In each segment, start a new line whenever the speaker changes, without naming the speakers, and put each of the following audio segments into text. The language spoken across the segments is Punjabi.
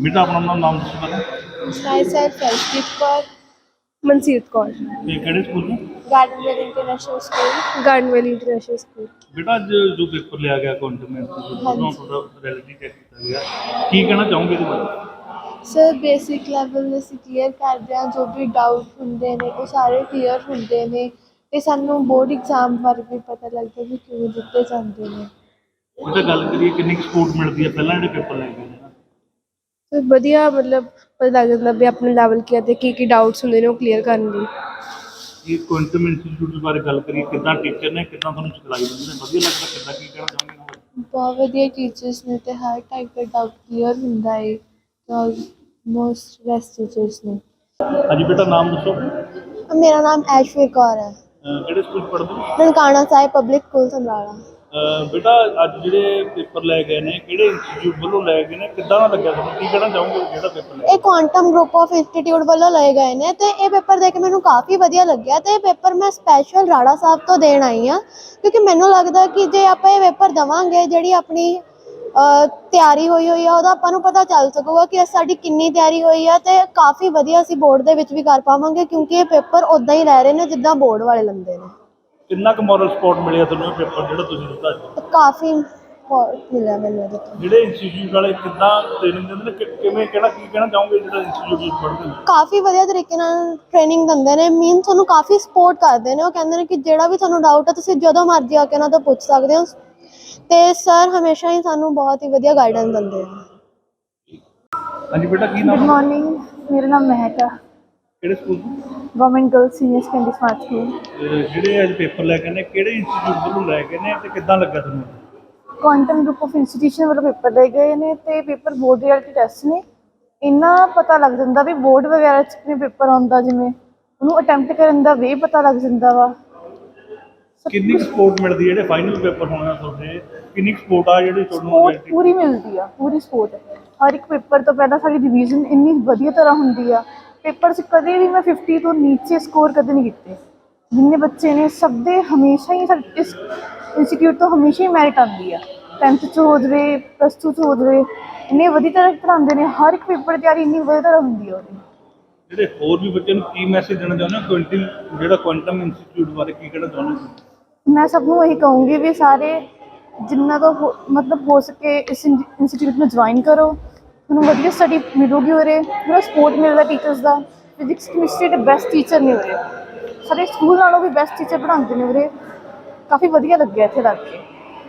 बेटा अपना नाम दसो पहले।
साई सर फर्शदीप कौर मनसीरत कौर
ते केड़े स्कूल में?
Gardenwell international school Gardenwell international school.
बेटा अज जो पेपर लिया गया कॉन्टमेंट
हाँ जी।
थोड़ा रियलिटी चेक किया गया की कहना चाहूँगे इहदे बारे?
सर बेसिक ਲੈਵਲ ਅਸੀਂ ਕਲੀਅਰ ਕਰਦੇ ਹਾਂ, ਜੋ ਵੀ ਡਾਊਟ ਹੁੰਦੇ ਨੇ ਉਹ ਸਾਰੇ ਕਲੀਅਰ ਹੁੰਦੇ ਨੇ ਅਤੇ ਸਾਨੂੰ ਬੋਰਡ ਐਗਜ਼ਾਮ ਬਾਰੇ ਵੀ ਪਤਾ ਲੱਗਦਾ ਵੀ ਕਿਵੇਂ ਦਿੱਤੇ ਜਾਂਦੇ ਨੇ।
बेटा गल करिए किन्नी सपोर्ट मिलती है पहला जो पेपर ले गए
ਸਰ ਵਧੀਆ ਮਤਲਬ ਪਤਾ ਲੱਗ ਜਾਂਦਾ ਵੀ ਆਪਣੇ ਲੈਵਲ ਕੀ ਹੈ ਅਤੇ ਕੀ ਡਾਊਟਸ ਹੁੰਦੇ ਨੇ ਉਹ ਕਲੀਅਰ ਕਰਨ ਲਈ।
ये क्वांटम इंस्टीट्यूट बारे गल करिए कितना टीचर ने कितना तुहानूं सिखलाई दिंदे ने वधिया लगदा कितना की कहना चाहोगे इन्हां बारे?
ਬਹੁਤ ਵਧੀਆ ਟੀਚਰਸ ਨੇ ਅਤੇ ਹਰ ਟਾਈਪ ਦਾ ਡਾਊਟ ਕਲੀਅਰ ਹੁੰਦਾ ਹੈ ਮੋਸਟ ਬੈਸਟ ਟੀਚਰਸ ਨੇ।
हाँ जी बेटा नाम दसो।
ਮੇਰਾ ਨਾਮ ਐਸ਼ਵਰ ਕੌਰ ਹੈ।
ਕਿਹੜੇ ਸਕੂਲ ਪੜ੍ਹਦੇ ਹੋ?
Nankana Sahib public school Samrala.
ਬੇਟਾ ਅੱਜ ਜਿਹੜੇ ਪੇਪਰ ਲੈ ਗਏ ਨੇ ਕਿਹੜੇ ਇੰਸਟੀਚਿਊਟ ਵੱਲੋਂ ਲੈ ਗਏ ਨੇ ਕਿੱਦਾਂ ਦਾ ਲੱਗਿਆ ਤੁਹਾਨੂੰ ਕੀ ਕਹਿਣਾ ਚਾਹੋਗੇ ਜਿਹੜਾ ਪੇਪਰ ਲੈ
ਇਹ ਕੁਆਂਟਮ ਗਰੁੱਪ ਆਫ ਇੰਸਟੀਟਿਊਟ ਵੱਲੋਂ ਲਏ ਗਏ ਨੇ ਅਤੇ ਇਹ ਪੇਪਰ ਦੇ ਕੇ ਮੈਨੂੰ ਕਾਫੀ ਵਧੀਆ ਲੱਗਿਆ ਅਤੇ ਇਹ ਪੇਪਰ ਮੈਂ ਸਪੈਸ਼ਲ ਰਾੜਾ ਸਾਹਿਬ ਤੋਂ ਦੇਣ ਆਈ ਹਾਂ ਕਿਉਂਕਿ ਮੈਨੂੰ ਲੱਗਦਾ ਕਿ ਜੇ ਆਪਾਂ ਇਹ ਪੇਪਰ ਦੇਵਾਂਗੇ ਜਿਹੜੀ ਆਪਣੀ ਤਿਆਰੀ ਹੋਈ ਆ ਉਹਦਾ ਆਪਾਂ ਨੂੰ ਪਤਾ ਚੱਲ ਸਕੂਗਾ ਕਿ ਸਾਡੀ ਕਿੰਨੀ ਤਿਆਰੀ ਹੋਈ ਆ ਅਤੇ ਕਾਫੀ ਵਧੀਆ ਅਸੀਂ ਬੋਰਡ ਦੇ ਵਿੱਚ ਵੀ ਕਰ ਪਾਵਾਂਗੇ ਕਿਉਂਕਿ ਇਹ ਪੇਪਰ ਉੱਦਾਂ ਹੀ ਲੈ ਰਹੇ ਨੇ ਜਿੱਦਾਂ ਬੋਰਡ ਵਾਲੇ ਲੈਂਦੇ ਨੇ।
ਕਿੰਨਾ ਕੁ ਮੋਰਲ ਸਪੋਰਟ ਮਿਲਿਆ ਤੁਹਾਨੂੰ ਇਹ ਪੇਪਰ ਜਿਹੜਾ ਤੁਸੀਂ ਦਿੱਤਾ ਅੱਜ?
ਕਾਫੀ ਮਿਲਿਆ ਮੈਨੂੰ ਇਹਦੇ ਤੋਂ।
ਜਿਹੜੇ ਇੰਸਟੀਚਿਊਟ ਵਾਲੇ ਕਿੱਦਾਂ ਟ੍ਰੇਨਿੰਗ ਦਿੰਦੇ ਨੇ ਕਿਵੇਂ ਕਿਹੜਾ ਕੀ ਕਹਿਣਾ ਚਾਹੋਗੇ ਜਿਹੜਾ ਇੰਸਟੀਚਿਊਟ ਵਿੱਚ ਪੜ੍ਹਦੇ ਨੇ?
ਕਾਫੀ ਵਧੀਆ ਤਰੀਕੇ ਨਾਲ ਟ੍ਰੇਨਿੰਗ ਦਿੰਦੇ ਨੇ ਮੀਨ ਤੁਹਾਨੂੰ ਕਾਫੀ ਸਪੋਰਟ ਕਰਦੇ ਨੇ। ਉਹ ਕਹਿੰਦੇ ਨੇ ਕਿ ਜਿਹੜਾ ਵੀ ਤੁਹਾਨੂੰ ਡਾਊਟ ਹੈ ਤੁਸੀਂ ਜਦੋਂ ਮਰਜ਼ੀ ਆ ਕੇ ਉਹਨਾਂ ਤੋਂ ਪੁੱਛ ਸਕਦੇ ਹੋ ਅਤੇ ਸਰ ਹਮੇਸ਼ਾ ਹੀ ਸਾਨੂੰ ਬਹੁਤ ਹੀ ਵਧੀਆ ਗਾਈਡੈਂਸ ਦਿੰਦੇ ਨੇ।
ਹਾਂਜੀ ਬੇਟਾ ਕੀ
गुड
ਨਾਮ?
मॉर्निंग मेरा नाम महक है।
ਕਿਹੜੇ ਸਕੂਲ ਤੋਂ?
Government girls senior secondary smart school.
ਜਿਹੜੇ ਅੱਜ ਪੇਪਰ ਲੈ ਕੇ ਨੇ ਕਿਹੜੇ ਇੰਸਟੀਚਿਊਟ ਵੱਲੋਂ ਲੈ ਕੇ ਨੇ ਤੇ ਕਿੱਦਾਂ ਲੱਗਾ ਤੁਹਾਨੂੰ?
ਕੁਆਂਟਮ ਗਰੁੱਪ ਆਫ ਇੰਸਟੀਟਿਊਸ਼ਨ ਵੱਲੋਂ ਪੇਪਰ ਲਏ ਗਏ ਨੇ ਅਤੇ ਪੇਪਰ ਬੋਰਡ ਰਿਐਲਿਟੀ ਟੈਸਟ ਨੇ। ਇੰਨਾ ਪਤਾ ਲੱਗ ਜਾਂਦਾ ਵੀ ਬੋਰਡ ਵਗੈਰਾ 'ਚ ਕਿਵੇਂ ਪੇਪਰ ਆਉਂਦਾ, ਜਿਵੇਂ ਉਹਨੂੰ ਅਟੈਂਪਟ ਕਰਨ ਦਾ ਵੇ ਪਤਾ ਲੱਗ ਜਾਂਦਾ ਵਾ।
ਕਿੰਨੀ ਸਪੋਰਟ ਮਿਲਦੀ ਹੈ ਜਿਹੜੇ ਫਾਈਨਲ ਪੇਪਰ ਹੋਣਾ ਤੁਹਾਡੇ ਕਿੰਨੀ ਸਪੋਰਟ ਆ ਜਿਹੜੀ ਤੁਹਾਨੂੰ
ਸਪੋਰਟ ਪੂਰੀ ਮਿਲਦੀ ਆ, ਪੂਰੀ ਸਪੋਰਟ। ਹਰ ਇੱਕ ਪੇਪਰ ਤੋਂ ਪਹਿਲਾਂ ਸਾਡੀ ਰਿਵੀਜ਼ਨ ਇੰਨੀ ਵਧੀਆ ਤਰ੍ਹਾਂ ਹੁੰਦੀ ਆ। ਪੇਪਰ 'ਚ ਕਦੇ ਵੀ ਮੈਂ 50 ਤੋਂ ਨੀਚੇ ਸਕੋਰ ਕਦੇ ਨਹੀਂ ਕੀਤੇ। ਜਿੰਨੇ ਬੱਚੇ ਨੇ ਸਭ ਦੇ ਹਮੇਸ਼ਾ ਹੀ ਸਾਡੇ ਇਸ ਇੰਸਟੀਟਿਊਟ ਤੋਂ ਹਮੇਸ਼ਾ ਹੀ ਮੈਰਿਟ ਆਉਂਦੀ ਆ। 10th 'ਚ ਹੋ ਜਾਵੇ, +2 'ਚ ਹੋ ਜਾਵੇ, ਇੰਨੇ ਵਧੀਆ ਤਰ੍ਹਾਂ ਪੜ੍ਹਾਉਂਦੇ ਨੇ। ਹਰ ਇੱਕ ਪੇਪਰ ਦੀ ਤਿਆਰੀ ਇੰਨੀ ਵਧੀਆ ਤਰ੍ਹਾਂ ਹੁੰਦੀ ਆ ਉਹਦੀ।
ਜਿਹੜੇ ਹੋਰ ਵੀ ਬੱਚੇ ਨੂੰ ਕੀ ਮੈਸੇਜ ਦੇਣਾ ਚਾਹੁੰਦੇ ਹੋ ਜਿਹੜਾ ਕੁਆਂਟਮ ਇੰਸਟੀਚਿਊਟ ਬਾਰੇ ਕੀ ਕਹਿਣਾ ਚਾਹੁੰਦੇ ਹੋ?
ਮੈਂ ਸਭ ਨੂੰ ਇਹੀ ਕਹੂੰਗੀ ਵੀ ਸਾਰੇ ਜਿੰਨਾ ਤੋਂ ਮਤਲਬ ਹੋ ਸਕੇ ਇਸ ਇੰਸਟੀਟਿਊਟ ਨੂੰ ਜੁਆਇਨ ਕਰੋ। ਤੁਹਾਨੂੰ ਵਧੀਆ ਸਟੱਡੀ ਮਿਲੂਗੀ ਉਰੇ, ਪੂਰਾ ਸਪੋਰਟ ਮਿਲਦਾ ਟੀਚਰਸ ਦਾ। ਫਿਜ਼ਿਕਸ ਕੈਮਿਸਟਰੀ ਦੇ ਬੈਸਟ ਟੀਚਰ ਨੇ ਉਰੇ, ਸਾਡੇ ਸਕੂਲ ਨਾਲੋਂ ਵੀ ਬੈਸਟ ਟੀਚਰ ਪੜ੍ਹਾਉਂਦੇ ਨੇ ਉਰੇ। ਕਾਫੀ ਵਧੀਆ ਲੱਗਿਆ ਇੱਥੇ ਲੱਗ ਕੇ।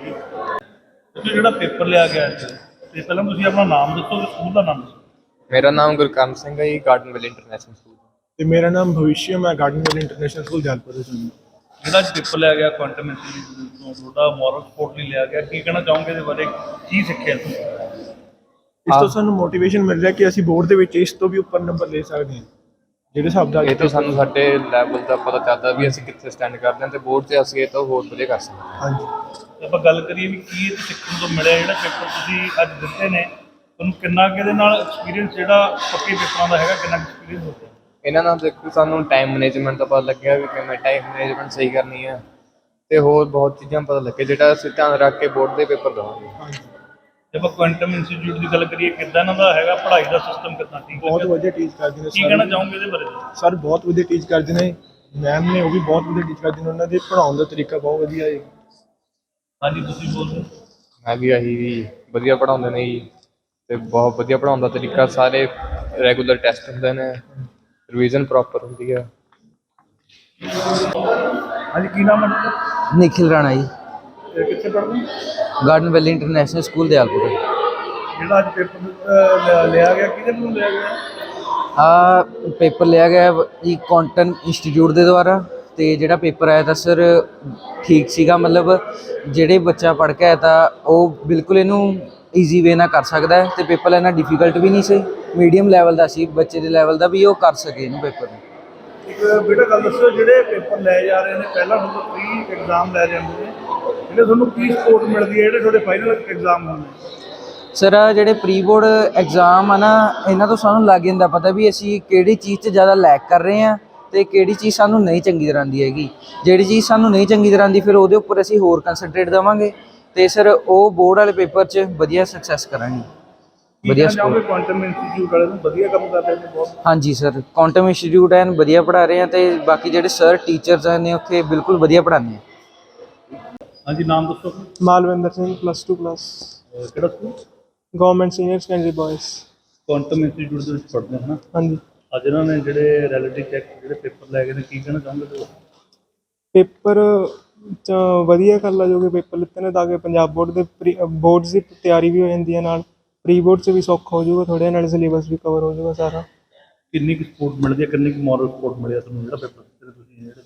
ਜਿਹੜਾ ਪੇਪਰ ਲਿਆ ਗਿਆ ਤੇ ਪਹਿਲਾਂ ਤੁਸੀਂ ਆਪਣਾ ਨਾਮ ਦੱਸੋ ਤੇ ਸਕੂਲ ਦਾ ਨਾਮ ਦੱਸੋ।
ਮੇਰਾ ਨਾਮ ਗੁਰਕਰਨ ਸਿੰਘ ਹੈ ਜੀ, ਗਾਰਡਨਵੇਲ ਇੰਟਰਨੈਸ਼ਨਲ ਸਕੂਲ।
ਤੇ ਮੇਰਾ ਨਾਮ ਭਵਿਸ਼ਯ, ਮੈਂ ਗਾਰਡਨਵੇਲ ਇੰਟਰਨੈਸ਼ਨਲ ਸਕੂਲ ਜਲਪੁਰ ਤੋਂ ਹਾਂ।
ਜਿਹੜਾ ਪੇਪਰ ਲਿਆ ਗਿਆ ਕੁਆਂਟਮ ਇੰਸਟੀਚਿਊਟ ਤੋਂ ਤੁਹਾਡਾ ਮੋਰਲ ਸਪੋਰਟ ਲਈ ਲਿਆ ਗਿਆ ਕੀ ਕਹਿਣਾ ਚਾਹੋਗੇ ਇਹਦੇ ਬਾਰੇ ਕੀ ਸਿੱਖਿਆ ਤੁਸੀਂ?
ਇਸ ਤੋਂ ਸਾਨੂੰ ਮੋਟੀਵੇਸ਼ਨ ਮਿਲ ਰਿਹਾ ਕਿ ਅਸੀਂ ਬੋਰਡ ਦੇ ਵਿੱਚ ਇਸ ਤੋਂ ਵੀ ਉੱਪਰ ਨੰਬਰ ਲੈ ਸਕਦੇ ਹਾਂ। ਜਿਹੜੇ ਹਿਸਾਬ ਦਾ
ਇਹ ਤੋਂ ਸਾਨੂੰ ਸਾਡੇ ਲੈਵਲ ਦਾ ਪਤਾ ਚੱਲਦਾ ਵੀ ਅਸੀਂ ਕਿੱਥੇ ਸਟੈਂਡ ਕਰਦੇ ਹਾਂ, ਤੇ ਬੋਰਡ 'ਤੇ ਅਸੀਂ ਇਹ ਤੋਂ ਹੋਰ ਵਧੀਆ ਕਰ ਸਕਦੇ ਹਾਂ।
ਹਾਂਜੀ,
ਤੇ ਆਪਾਂ ਗੱਲ ਕਰੀਏ ਵੀ ਕੀ ਇਹ ਸਿੱਖਣ ਤੋਂ ਮਿਲਿਆ ਜਿਹੜਾ ਪੇਪਰ ਤੁਸੀਂ ਅੱਜ ਦਿੱਤੇ ਨੇ ਤੁਹਾਨੂੰ ਕਿੰਨਾ ਕੁ ਇਹਦੇ ਨਾਲ ਐਕਸਪੀਰੀਅੰਸ ਜਿਹੜਾ ਪੱਕੇ ਪੇਪਰਾਂ ਦਾ ਹੈਗਾ ਕਿੰਨਾ ਐਕਸਪੀਰੀਅੰਸ ਹੋ ਗਿਆ?
ਇਹਨਾਂ ਨਾਲ ਦੇਖੋ ਸਾਨੂੰ ਟਾਈਮ ਮੈਨੇਜਮੈਂਟ ਦਾ ਪਤਾ ਲੱਗਿਆ ਵੀ ਕਿਵੇਂ ਟਾਈਮ ਮੈਨੇਜਮੈਂਟ ਸਹੀ ਕਰਨੀ ਹੈ, ਤੇ ਹੋਰ ਬਹੁਤ ਚੀਜ਼ਾਂ ਪਤਾ ਲੱਗੇ ਜਿਹੜਾ ਅਸੀਂ ਧਿਆਨ ਰੱਖ ਕੇ ਬੋਰਡ ਦੇ ਪੇਪਰ ਦੇਵਾਂਗੇ।
ਹਾਂਜੀ,
ਜੇ ਆਪਾਂ ਕੁਆਂਟਮ ਇੰਸਟੀਚਿਊਟ ਦੀ ਗੱਲ ਕਰੀਏ ਕਿੱਦਾਂ ਇਹਨਾਂ ਦਾ ਹੈਗਾ ਪੜ੍ਹਾਈ ਦਾ ਸਿਸਟਮ ਕਿੱਦਾਂ ਠੀਕ
ਬਹੁਤ ਵਧੀਆ ਟੀਚ ਕਰਦੇ ਨੇ
ਕੀ ਕਹਿਣਾ ਚਾਹੋਗੇ ਇਹਦੇ ਬਾਰੇ?
ਸਰ ਬਹੁਤ ਵਧੀਆ ਟੀਚ ਕਰਦੇ ਨੇ, ਮੈਮ ਨੇ ਉਹ ਵੀ ਬਹੁਤ ਵਧੀਆ ਟੀਚ ਕਰਦੇ ਨੇ। ਉਹਨਾਂ ਦੇ ਪੜ੍ਹਾਉਣ ਦਾ ਤਰੀਕਾ ਬਹੁਤ ਵਧੀਆ ਹੈ।
ਹਾਂਜੀ ਤੁਸੀਂ ਬੋਲੋ।
ਮੈਂ ਵੀ ਆਹੀ ਵੀ ਵਧੀਆ ਪੜ੍ਹਾਉਂਦੇ ਨੇ ਜੀ, ਤੇ ਬਹੁਤ ਵਧੀਆ ਪੜ੍ਹਾਉਣ ਦਾ ਤਰੀਕਾ। ਸਾਰੇ ਰੈਗੂਲਰ ਟੈਸਟ ਹੁੰਦੇ ਨੇ, ਰਿਵੀਜ਼ਨ ਪ੍ਰੋਪਰ ਹੁੰਦੀ ਹੈ।
ਹਾਂਜੀ ਕੀ ਨਾਮ ਹੈ?
निखिल राणा जी,
ਤੇ ਕਿੱਥੇ ਪੜ੍ਹਦੇ ਹੋ?
Garden Valley international school Dayalpur.
ਜਿਹੜਾ ਅੱਜ ਪੇਪਰ ਲਿਆ ਗਿਆ ਕਿਹਦੇ ਵੱਲੋਂ ਲਿਆ ਗਿਆ?
पेपर लिया गया जी क्वांटम इंस्टीट्यूट के द्वारा। तो जोड़ा पेपर आया था सर ठीक सीगा, मतलब जेड़े बच्चा पढ़ के आया था वो बिल्कुल इनू ईजी वे ना कर सकता है। तो पेपर इन्ना डिफिकल्ट भी नहीं सी, मीडियम लैवल का सी, बच्चे के लैवल का भी वो कर सके इनू पेपर।
ਇੱਕ ਬੇਟਾ ਗੱਲ ਦੱਸੋ ਜਿਹੜੇ ਪੇਪਰ ਲੈ ਜਾ ਰਹੇ ਨੇ ਪਹਿਲਾਂ ਤੁਹਾਨੂੰ ਪ੍ਰੀ ਐਗਜ਼ਾਮ ਲੈ ਜਾਂਦੇ ਨੇ ਜਿਹੜੇ ਤੁਹਾਨੂੰ ਕੀ ਸਪੋਰਟ ਮਿਲਦੀ ਹੈ ਜਿਹੜੇ ਤੁਹਾਡੇ ਫਾਈਨਲ ਐਗਜ਼ਾਮ ਹੁੰਦੇ?
सर ਜਿਹੜੇ ਪ੍ਰੀ ਬੋਰਡ ਐਗਜ਼ਾਮ ਆ ਨਾ, ਇਹਨਾਂ ਤੋਂ ਸਾਨੂੰ ਲੱਗ ਜਾਂਦਾ ਪਤਾ ਵੀ ਅਸੀਂ ਕਿਹੜੀ ਚੀਜ਼ 'ਚ ਜ਼ਿਆਦਾ ਲੈਕ ਕਰ ਰਹੇ ਹਾਂ ਅਤੇ ਕਿਹੜੀ ਚੀਜ਼ ਸਾਨੂੰ ਨਹੀਂ ਚੰਗੀ ਤਰ੍ਹਾਂ ਆਉਂਦੀ ਹੈਗੀ। ਜਿਹੜੀ ਚੀਜ਼ ਸਾਨੂੰ ਨਹੀਂ ਚੰਗੀ ਤਰ੍ਹਾਂ ਆਉਂਦੀ ਫਿਰ ਉਹਦੇ ਉੱਪਰ ਅਸੀਂ ਹੋਰ ਕੰਸਨਟਰੇਟ ਦੇਵਾਂਗੇ ਅਤੇ ਸਰ ਉਹ ਬੋਰਡ ਵਾਲੇ ਪੇਪਰ 'ਚ ਵਧੀਆ ਸਕਸੈਸ ਕਰਾਂਗੇ। ਵਧੀਆ
ਕਹਿਣਾ ਚਾਹੋਗੇ
ਸਕੂਲ।
ਕੁਆਂਟਮ ਇੰਸਟੀਚਿਊਟ ਵਾਲੇ ਨੂੰ ਵਧੀਆ ਕੰਮ ਕਰ ਰਹੇ ਨੇ ਬਹੁਤ?
ਹਾਂਜੀ ਸਰ, ਕੁਆਂਟਮ ਇੰਸਟੀਚਿਊਟ ਐਨ ਵਧੀਆ ਪੜ੍ਹਾ ਰਹੇ ਆ ਤੇ ਬਾਕੀ ਜਿਹੜੇ ਸਰ ਟੀਚਰਸ ਨੇ ਉੱਥੇ ਬਿਲਕੁਲ ਵਧੀਆ ਪੜ੍ਹਾਉਂਦੇ ਆ।
ਹਾਂਜੀ, ਨਾਮ ਦੱਸੋ?
ਮਾਲਵਿੰਦਰ ਸਿੰਘ +2
ਕਿਹੜਾ school?
Government senior secondary boys.
Quantum institute ਦੇ ਵਿੱਚ ਪੜ੍ਹਦੇ ਹੋ ਨਾ?
ਹਾਂਜੀ।
ਅੱਜ ਇਹਨਾਂ ਨੇ ਜਿਹੜੇ ਰਿਐਲਿਟੀ ਚੈੱਕ ਜਿਹੜੇ ਪੇਪਰ ਲੈ ਗਏ ਨੇ, ਕੀ ਕਹਿਣਾ ਚਾਹੋਗੇ ਤੁਸੀਂ?
ਪੇਪਰ 'ਚ ਵਧੀਆ ਗੱਲ ਆ ਜੋ ਕਿ ਪੇਪਰ ਲਿੱਤੇ ਨੇ ਤਾਂ ਕਿ ਪੰਜਾਬ ਬੋਰਡ ਦੇ ਬੋਰਡਸ ਦੀ ਤਿਆਰੀ ਵੀ ਹੋ ਜਾਂਦੀ ਹੈ, ਨਾਲ ਪ੍ਰੀ ਬੋਰਡ 'ਚ ਵੀ ਸੌਖਾ ਹੋ ਜਾਊਗਾ ਥੋੜ੍ਹਾ, ਨਾਲੇ ਸਿਲੇਬਸ ਵੀ ਕਵਰ ਹੋ ਜਾਊਗਾ ਸਾਰਾ।
ਕਿੰਨੀ ਕੁ ਸਪੋਰਟ ਮਿਲਦੀ ਹੈ, ਕਿੰਨੀ ਕੁ ਮੋਰਲ ਸਪੋਰਟ ਮਿਲਿਆ ਤੁਹਾਨੂੰ ਜਿਹੜਾ ਪੇਪਰ ਦਿੱਤੇ ਨੇ ਤੁਸੀਂ ਜਿਹੜੇ?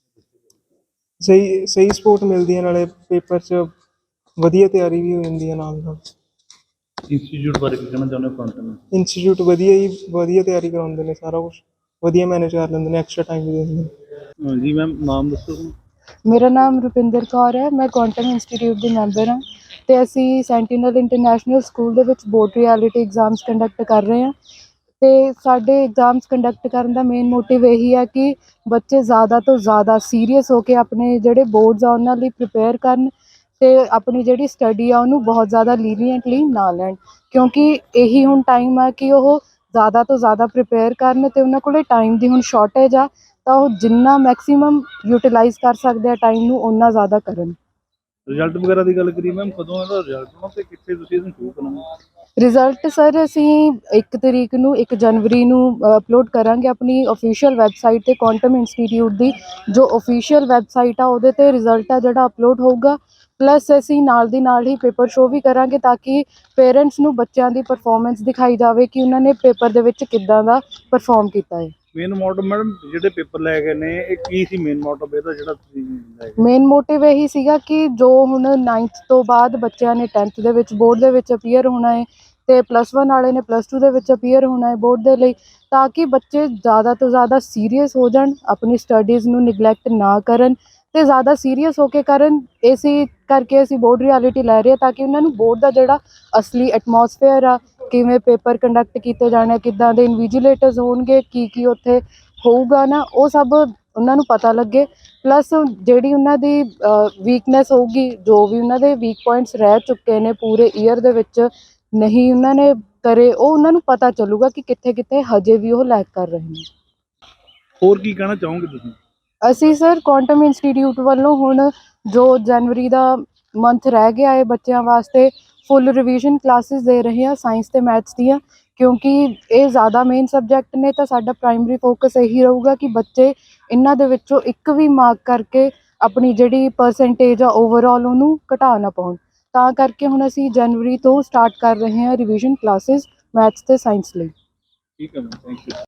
ਸਹੀ ਸਪੋਰਟ ਮਿਲਦੀ ਹੈ, ਨਾਲੇ ਪੇਪਰ 'ਚ ਵਧੀਆ ਤਿਆਰੀ ਵੀ ਹੋ ਜਾਂਦੀ ਹੈ ਨਾਲ ਨਾਲ।
ਇੰਸਟੀਚਿਊਟ ਬਾਰੇ ਕੀ ਕਹਿਣਾ ਚਾਹੁੰਦੇ ਹੋ ਕੁਆਂਟਮ?
ਇੰਸਟੀਚਿਊਟ ਵਧੀਆ ਹੀ ਵਧੀਆ ਤਿਆਰੀ ਕਰਾਉਂਦੇ ਨੇ, ਸਾਰਾ ਕੁਛ ਵਧੀਆ ਮੈਨੇਜ ਕਰ ਲੈਂਦੇ ਨੇ, ਐਕਸਟਰਾ ਟਾਈਮ ਵੀ ਦੇ ਦਿੰਦੇ ਨੇ।
ਜੀ ਮੈਮ, ਨਾਮ ਦੱਸੋ?
ਮੇਰਾ ਨਾਮ ਰੁਪਿੰਦਰ ਕੌਰ ਹੈ, ਮੈਂ ਕੁਆਂਟਮ ਇੰਸਟੀਟਿਊਟ ਦੀ ਮੈਂਬਰ ਹਾਂ ਅਤੇ ਅਸੀਂ ਸੈਂਟੀਨਲ ਇੰਟਰਨੈਸ਼ਨਲ ਸਕੂਲ ਦੇ ਵਿੱਚ ਬੋਰਡ ਰਿਐਲਿਟੀ ਐਗਜ਼ਾਮਸ ਕੰਡਕਟ ਕਰ ਰਹੇ ਹਾਂ। ਅਤੇ ਸਾਡੇ ਐਗਜ਼ਾਮਸ ਕੰਡਕਟ ਕਰਨ ਦਾ ਮੇਨ ਮੋਟਿਵ ਇਹੀ ਹੈ ਕਿ ਬੱਚੇ ਜ਼ਿਆਦਾ ਤੋਂ ਜ਼ਿਆਦਾ ਸੀਰੀਅਸ ਹੋ ਕੇ ਆਪਣੇ ਜਿਹੜੇ ਬੋਰਡਸ ਆ ਉਹਨਾਂ ਲਈ ਪ੍ਰਿਪੇਅਰ ਕਰਨ ਅਤੇ ਆਪਣੀ ਜਿਹੜੀ ਸਟੱਡੀ ਆ ਉਹਨੂੰ ਬਹੁਤ ਜ਼ਿਆਦਾ ਲੀਨੀਐਂਟਲੀ ਨਾ ਲੈਣ, ਕਿਉਂਕਿ ਇਹੀ ਹੁਣ ਟਾਈਮ ਆ ਕਿ ਉਹ ਜ਼ਿਆਦਾ ਤੋਂ ਜ਼ਿਆਦਾ ਪ੍ਰਿਪੇਅਰ ਕਰਨ ਅਤੇ ਉਹਨਾਂ ਕੋਲ ਟਾਈਮ ਦੀ ਹੁਣ ਸ਼ਾਰਟੇਜ ਆ, ਤਾਂ ਉਹ ਜਿੰਨਾ ਮੈਕਸੀਮਮ ਯੂਟੀਲਾਈਜ਼ ਕਰ ਸਕਦੇ ਆ ਟਾਈਮ ਨੂੰ ਓਨਾ ਜ਼ਿਆਦਾ ਕਰਨ।
ਰਿਜ਼ਲਟ ਵਗੈਰਾ ਦੀ ਗੱਲ ਕਰੀਏ ਮੈਮ, ਕਦੋਂ ਇਹਦਾ ਰਿਜ਼ਲਟ ਆਉਣਾ ਤੇ ਕਿੱਥੇ ਤੁਸੀਂ ਇਹਨੂੰ ਸ਼ੋਅ ਕਰਨਾ?
ਰਿਜ਼ਲਟ ਸਰ ਅਸੀਂ 1 ਤਰੀਕ ਨੂੰ 1 ਜਨਵਰੀ ਨੂੰ ਅਪਲੋਡ ਕਰਾਂਗੇ ਆਪਣੀ ਅਫੀਸ਼ੀਅਲ ਵੈਬਸਾਈਟ 'ਤੇ। ਕੁਆਂਟਮ ਇੰਸਟੀਟਿਊਟ ਦੀ ਜੋ ਅਫੀਸ਼ੀਅਲ ਵੈਬਸਾਈਟ ਆ ਉਹਦੇ 'ਤੇ ਰਿਜ਼ਲਟ ਆ ਜਿਹੜਾ ਅਪਲੋਡ ਹੋਊਗਾ। ਪਲੱਸ ਅਸੀਂ ਨਾਲ ਦੀ ਨਾਲ ਹੀ ਪੇਪਰ ਸ਼ੋਅ ਵੀ ਕਰਾਂਗੇ ਤਾਂ ਕਿ ਪੇਰੈਂਟਸ ਨੂੰ ਬੱਚਿਆਂ ਦੀ ਪਰਫੋਰਮੈਂਸ ਦਿਖਾਈ ਜਾਵੇ ਕਿ ਉਹਨਾਂ ਨੇ ਪੇਪਰ ਦੇ ਵਿੱਚ ਕਿੱਦਾਂ ਦਾ ਪਰਫੋਰਮ ਕੀਤਾ ਹੈ।
ਮੇਨ ਮੋਟਿਵ ਮੈਡਮ ਜਿਹੜੇ ਪੇਪਰ ਲੈ ਗਏ ਨੇ, ਇਹ ਕੀ ਸੀ ਮੇਨ ਮੋਟਿਵ ਇਹਦਾ ਜਿਹੜਾ ਤੁਸੀਂ ਲੈ ਗਏ?
ਮੇਨ ਮੋਟਿਵ ਇਹੀ ਸੀਗਾ ਕਿ ਜੋ ਹੁਣ 9th ਤੋਂ ਬਾਅਦ ਬੱਚਿਆਂ ਨੇ 10th ਦੇ ਵਿੱਚ ਬੋਰਡ ਦੇ ਵਿੱਚ ਅਪੀਅਰ ਹੋਣਾ ਹੈ ਅਤੇ +1 ਵਾਲੇ ਨੇ +2 ਦੇ ਵਿੱਚ ਅਪੀਅਰ ਹੋਣਾ ਹੈ ਬੋਰਡ ਦੇ ਲਈ, ਤਾਂ ਕਿ ਬੱਚੇ ਜ਼ਿਆਦਾ ਤੋਂ ਜ਼ਿਆਦਾ ਸੀਰੀਅਸ ਹੋ ਜਾਣ, ਆਪਣੀ ਸਟੱਡੀਜ਼ ਨੂੰ ਨਿਗਲੈਕਟ ਨਾ ਕਰਨ ਅਤੇ ਜ਼ਿਆਦਾ ਸੀਰੀਅਸ ਹੋ ਕੇ ਕਰਨ। ਇਸੇ ਕਰਕੇ ਅਸੀਂ ਬੋਰਡ ਰਿਐਲਿਟੀ ਲੈ ਰਹੇ ਹਾਂ ਤਾਂ ਕਿ ਉਹਨਾਂ ਨੂੰ ਬੋਰਡ ਦਾ ਜਿਹੜਾ ਅਸਲੀ ਐਟਮੋਸਫੇਅਰ ਆ, ਕਿਵੇਂ ਪੇਪਰ ਕੰਡਕਟ ਕੀਤੇ ਜਾਣੇ, ਕਿੱਦਾਂ ਦੇ ਇਨਵੀਜੀਲੇਟਰਸ ਹੋਣਗੇ, ਕੀ ਉੱਥੇ ਹੋਊਗਾ ਨਾ, ਉਹ ਸਭ ਉਹਨਾਂ ਨੂੰ ਪਤਾ ਲੱਗੇ। ਪਲੱਸ ਜਿਹੜੀ ਉਹਨਾਂ ਦੀ ਵੀਕਨੈਸ ਹੋਊਗੀ, ਜੋ ਵੀ ਉਹਨਾਂ ਦੇ ਵੀਕ ਪੁਆਇੰਟਸ ਰਹਿ ਚੁੱਕੇ ਨੇ ਪੂਰੇ ਈਅਰ ਦੇ ਵਿੱਚ ਨਹੀਂ ਉਹਨਾਂ ਨੇ ਕਰੇ, ਉਹ ਉਹਨਾਂ ਨੂੰ ਪਤਾ ਚੱਲੂਗਾ ਕਿ ਕਿੱਥੇ ਕਿੱਥੇ ਹਜੇ ਵੀ ਉਹ ਲੈਕ ਕਰ ਰਹੇ ਨੇ।
ਹੋਰ ਕੀ ਕਹਿਣਾ ਚਾਹੋਗੇ ਤੁਸੀਂ?
ਅਸੀਂ ਸਰ ਕੁਆਂਟਮ ਇੰਸਟੀਟਿਊਟ ਵੱਲੋਂ ਹੁਣ ਜੋ ਜਨਵਰੀ ਦਾ ਮੰਥ ਰਹਿ ਗਿਆ ਹੈ ਬੱਚਿਆਂ ਵਾਸਤੇ ਫੁੱਲ ਰਿਵੀਜ਼ਨ ਕਲਾਸਿਸ ਦੇ ਰਹੇ ਹਾਂ ਸਾਇੰਸ ਅਤੇ ਮੈਥਸ ਦੀਆਂ, ਕਿਉਂਕਿ ਇਹ ਜ਼ਿਆਦਾ ਮੇਨ ਸਬਜੈਕਟ ਨੇ। ਤਾਂ ਸਾਡਾ ਪ੍ਰਾਇਮਰੀ ਫੋਕਸ ਇਹੀ ਰਹੂਗਾ ਕਿ ਬੱਚੇ ਇਹਨਾਂ ਦੇ ਵਿੱਚੋਂ ਇੱਕ ਵੀ ਮਾਰਕ ਕਰਕੇ ਆਪਣੀ ਜਿਹੜੀ ਪਰਸੈਂਟੇਜ ਆ ਓਵਰਆਲ ਉਹਨੂੰ ਘਟਾ ਨਾ ਪਾਉਣ। ਤਾਂ ਕਰਕੇ ਹੁਣ ਅਸੀਂ ਜਨਵਰੀ ਤੋਂ ਸਟਾਰਟ ਕਰ ਰਹੇ ਹਾਂ ਰਿਵੀਜ਼ਨ ਕਲਾਸਿਸ ਮੈਥਸ ਅਤੇ ਸਾਇੰਸ ਲਈ।
ਠੀਕ ਹੈ ਮੈਮ, ਥੈਂਕ ਯੂ।